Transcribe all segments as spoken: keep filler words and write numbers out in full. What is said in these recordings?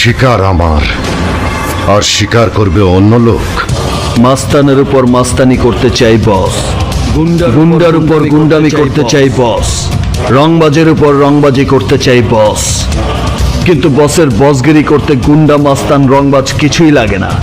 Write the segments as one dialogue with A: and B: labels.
A: শিকার আমার, আর শিকার করবে অন্য লোক।
B: মাস্তানের উপর মাস্তানি করতে চাই বস, গুন্ডার উপর গুন্ডামি করতে চাই বস, রংবাজের উপর রংবাজি করতে চাই বস। কিন্তু বসের বসগিরি করতে গুন্ডা মাস্তান রংবাজ কিছুই লাগে না।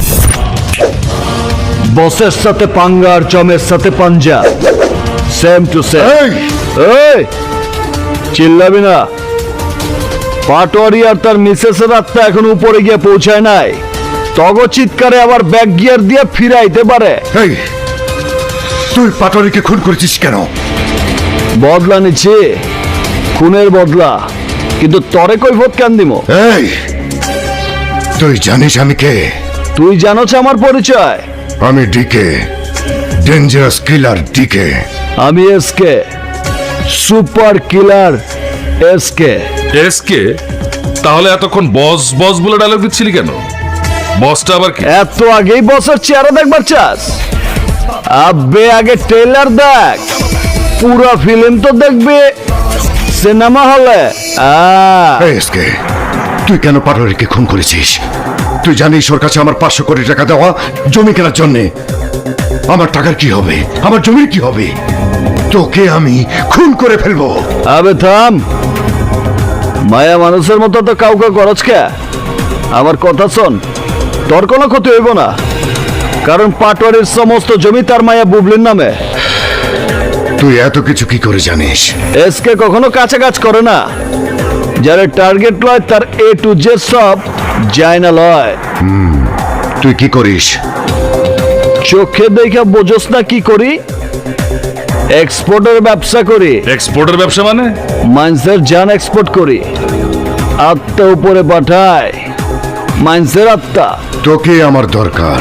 B: বসের সাথে পাঙ্গা আর জমের সাথে পাঞ্জা, সেম টু সেম। এই চিল্লাবি না। পাটোয়ারি আর তার মিসেসের আত্মা এখন উপরে গিয়ে পৌঁছায় নাই। তগ চিৎকারে আবার ব্যাক গিয়ার দিয়ে ফিরাইতে পারে।
A: এই তুই পাটোয়ারিকে খুন করেছিস কেন?
B: বদলা নিচ্ছে, খুনের বদলা। কিন্তু তরে কৈফত কেন দিব?
A: এই তুই জানিস আমি কে?
B: তুই জানোছ আমার পরিচয়?
A: আমি ডিকে, ডেঞ্জারাস কিলার ডিকে।
B: আমি SK, super killer SK.
C: SK? তাহলে এতক্ষণ বস বস বলে ডায়লগ দিচ্ছিলি কেন? বসটা আবার কি?
B: এত আগেই বসের চেহারা দেখবার চাস? আবে আগে ট্রেলার দেখ, পুরো ফিল্ম তো দেখবে সিনেমা হলে।
A: এই এসকে, তুই কেন পাটোয়ারিকে খুন করেছিস? তুই জানিস ওর কাছে আমার পাঁচশো কোটি টাকা দেওয়া জমি কেনার জন্যে। আমার টাকার কি হবে? আমার জমির কি হবে? তোকে আমি খুন করে ফেলবো।
B: আবে থাম, মায়া মানুষের মতো তো কাউকে খরচ কে। আমার কথা শোন, তোর কোনো ক্ষতি হইব না, কারণ পাটোয়ারির সমস্ত জমি তার মায়া বুবলির নামে।
A: তুই এত কিছু কি করে জানিস?
B: এসকে কখনো কাছে কাজ করে না। যারা টার্গেট লয় তার এ টু জে সব যায় না লয়।
A: তুই কি করিস?
B: চোখে দেখা বোঝস না কি করি? এক্সপোর্টের ব্যবসা করি।
C: এক্সপোর্টের ব্যবসা মানে?
B: মাইন্সের জান এক্সপোর্ট করি, আত্মা উপরে পাঠায়। মাইন্সের আত্মা।
A: তোকে আমার দরকার।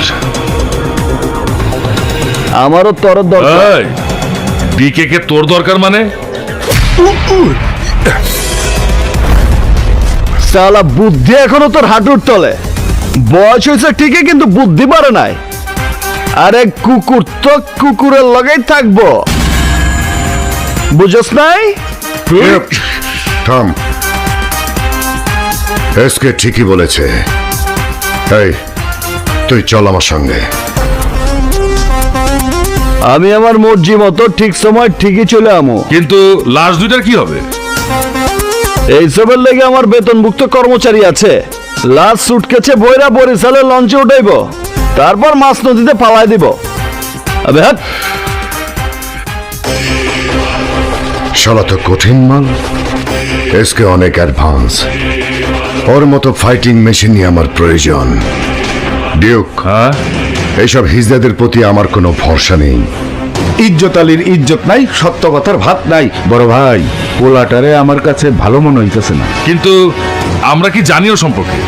B: আমারও তোর দরকার।
C: ডিকে কে তোর দরকার মানে?
B: সালা বুদ্ধি এখনো তোর হাঁটুর তলে। বয়স হয়েছে ঠিকই, কিন্তু বুদ্ধি বাড়ে নাই। আরে কুকুর তো কুকুরের লগেই থাকবো, বুঝস নাই?
A: থাম, এসকে ঠিকই বলেছে। এই তুই চল আমার সঙ্গে।
B: আমি আমার মর্জি মতো ঠিক সময় ঠিকই চলে আমো।
C: কিন্তু লাশ দুইটার কি হবে?
B: এইসবের লেগে আমার বেতনভুক্ত কর্মচারী আছে। লাশ সুটকেছে বইরা বরিশালের লঞ্চে উঠাইব, তারপর মাছ নদীতে পালাই দিব। আবে হাট।
A: শালা তো কঠিন মাল। এসকে অনেক অ্যাডভান্স। ওর মতো ফাইটিং মেশিনই আমার প্রয়োজন। ডিউক,
C: হ্যাঁ,
A: এইসব হিজদাদের প্রতি আমার কোনো ভরসা নেই।
D: ইজ্জত আলীর ইজ্জত নাই, সত্য কথার ভাত নাই। বড় ভাই, পোলাটারে আমার কাছে ভালো মনে হইতেছে না।
C: কিন্তু আমরা কি জানিও সম্পর্কে?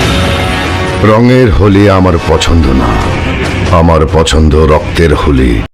A: রঙের হোলি আমার পছন্দ না, আমার পছন্দ রক্তের হোলি।